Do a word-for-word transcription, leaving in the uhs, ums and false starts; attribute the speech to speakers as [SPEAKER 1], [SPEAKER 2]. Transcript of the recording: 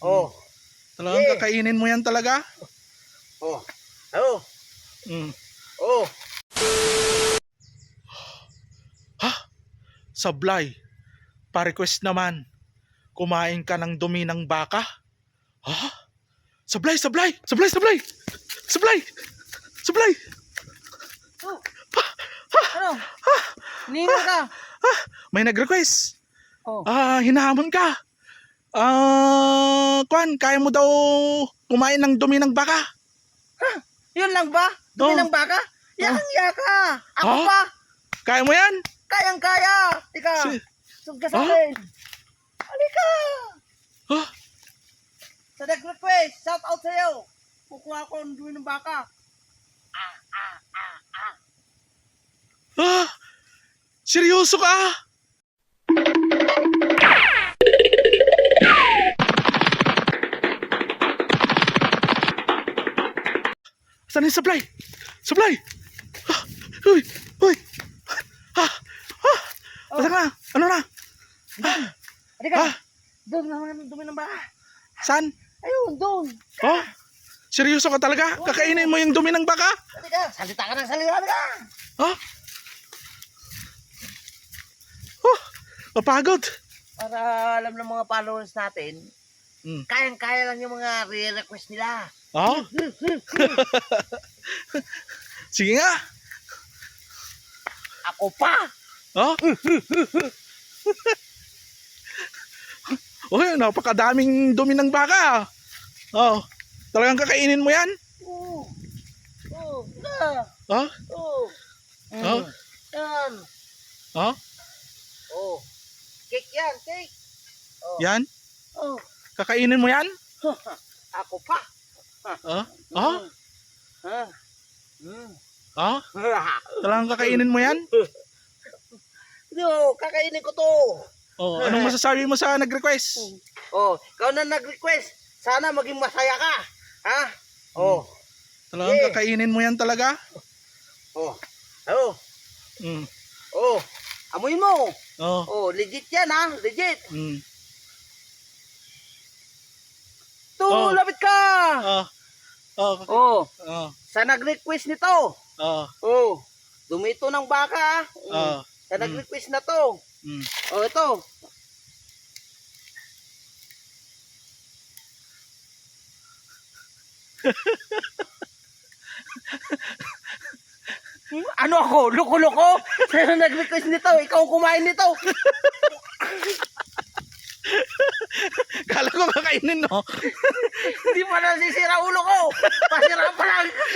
[SPEAKER 1] Oh.
[SPEAKER 2] Talagang
[SPEAKER 1] Eh.
[SPEAKER 2] kakainin mo yan talaga?
[SPEAKER 1] Oh. Oh.
[SPEAKER 2] Mm.
[SPEAKER 1] Oh.
[SPEAKER 2] Ha? Sablay. Pa-request naman. Kumain ka ng dumi ng baka? Ha? Sablay, sablay, sablay, sablay. Sablay. Sablay.
[SPEAKER 1] Oh. Ano? Nino ka?
[SPEAKER 2] Ah, may nag-request.
[SPEAKER 1] Oh.
[SPEAKER 2] Ah, hinahamon ka. Ah, kwan, kaya mo daw kumain ng dumi ng baka?
[SPEAKER 1] Yun lang ba? Dumi
[SPEAKER 2] Oh.
[SPEAKER 1] ng baka? Yakang yaka. Ako
[SPEAKER 2] Oh.
[SPEAKER 1] pa.
[SPEAKER 2] Kaya mo yan?
[SPEAKER 1] Kayang-kaya. Tika.
[SPEAKER 2] Si-
[SPEAKER 1] Sug ka sa
[SPEAKER 2] Oh.
[SPEAKER 1] akin. Halika.
[SPEAKER 2] Ah,
[SPEAKER 1] Sa nag-request, shout out sa'yo. Kukuha ko ng dumi ng baka.
[SPEAKER 2] ah, seryoso ka? Saan yung supply? Supply! Ah, uy! Uy! Ah! Ah! Saan na? Ano na?
[SPEAKER 1] Halika.
[SPEAKER 2] Ah!
[SPEAKER 1] Doon naman ang dumi ng baka.
[SPEAKER 2] Saan?
[SPEAKER 1] Ayun, doon.
[SPEAKER 2] Oh? Seryoso ka talaga? Kakainin mo yung dumi ng baka?
[SPEAKER 1] Halika. Salita ka ng salita. Halika.
[SPEAKER 2] Oh? Oh! Mapagod!
[SPEAKER 1] Para alam ng mga followers natin,
[SPEAKER 2] Hmm.
[SPEAKER 1] kayang-kaya lang yung mga re-request nila.
[SPEAKER 2] Oh? Sige nga!
[SPEAKER 1] Ako pa!
[SPEAKER 2] Oh? Uy, napakadaming dumi ng baka. Oh, talagang kakainin mo yan?
[SPEAKER 1] Oo. Oo. Na.
[SPEAKER 2] Oh?
[SPEAKER 1] Oo.
[SPEAKER 2] Oh?
[SPEAKER 1] Yan.
[SPEAKER 2] Oh?
[SPEAKER 1] Oo. Cake yan, cake. Oh.
[SPEAKER 2] Yan?
[SPEAKER 1] Oh.
[SPEAKER 2] Kakainin mo yan?
[SPEAKER 1] Ako pa.
[SPEAKER 2] Oh? Oh?
[SPEAKER 1] Ha? Hmm.
[SPEAKER 2] Oh? Talagang kakainin mo yan?
[SPEAKER 1] Yo, kakainin ko to.
[SPEAKER 2] Oh, anong masasabi mo sa nag-request?
[SPEAKER 1] Oh, ikaw na nag-request. Sana maging masaya ka. Ha? Oh.
[SPEAKER 2] Talagang
[SPEAKER 1] Yeah.
[SPEAKER 2] kakainin mo yan talaga?
[SPEAKER 1] Oh. Oh.
[SPEAKER 2] Mm.
[SPEAKER 1] Oh. Amoy mo.
[SPEAKER 2] Oh.
[SPEAKER 1] Oh, legit yan ha. Legit.
[SPEAKER 2] Mm.
[SPEAKER 1] To,
[SPEAKER 2] Oh.
[SPEAKER 1] lapit ka.
[SPEAKER 2] Oh. Oh.
[SPEAKER 1] Oh.
[SPEAKER 2] Oh.
[SPEAKER 1] Sa nag-request nito.
[SPEAKER 2] Oh.
[SPEAKER 1] Oh. Dumito ng baka.
[SPEAKER 2] Oh.
[SPEAKER 1] Sa nag-request na to.
[SPEAKER 2] Mm.
[SPEAKER 1] Oh, ito. Hmm, ano ako? Loko-loko? Sa nag-request nito, ikaw ang kumain nito.
[SPEAKER 2] Kala ko kakainin, no?
[SPEAKER 1] Hindi pa nasisira ulo ko. Pasira pa lang.